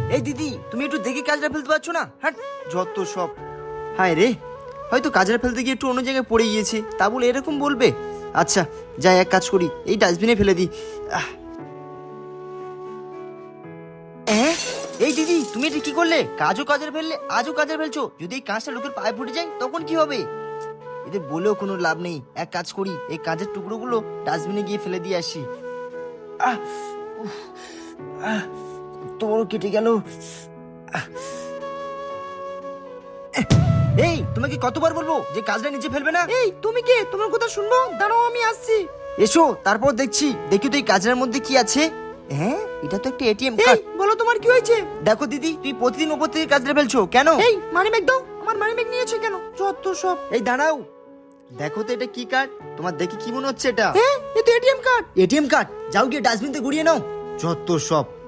এই দিদি, তুমি একটু দেখে কাজটা ফেলতে পারছো না? হ্যাঁ, যত সব। হায় রে, হয়তো কাজটা ফেলতে গিয়ে একটু অন্য জায়গায় পড়ে গিয়েছে, তা বলে এরকম বলবে? আচ্ছা, যাই এক কাজ করি, এই ডাস্টবিনে ফেলে দিই। এই দিদি, তুমি এটা কি করলে? কাজও কাজের ফেললে, আজও কাজের ফেলছো। যদি এই কাজটা লোকের পায়ে ফুটে যায় তখন কি হবে? এদের বলেও কোনো লাভ নেই। এক কাজ করি, এই কাজের টুকরোগুলো ডাস্টবিনে গিয়ে ফেলে দিয়ে আসি। আহ উফ, আহ তোর কেটে গেল। এই, তোমাকে কতবার বলবো যে কাজটা নিচে ফেলবে না? এই তুমি কে? তোমার কথা শুনবো? দাঁড়াও, আমি আসছি। এসো, তারপর দেখছি। দেখি তো এই কাজের মধ্যে কি আছে। হ্যাঁ, এটা তো একটা এটিএম এই কার্ড। বলো, তোমার কি হয়েছে? দেখো দিদি, তুই প্রতিদিন উপর থেকে কাজটা ফেলছো কেন? এই মানি ব্যাগ দাও। আমার মানি ব্যাগ নিয়েছো কেন? যত সব। এই দাঁড়াও, দেখো তো এটা কি কার্ড। তোমার দেখে কি মনে হচ্ছে এটা? হ্যাঁ, এ তো এটিএম কার্ড। ATM card? যাও গিয়ে ডাস্টবিনতে গুড়িয়ে নাও। যত সব।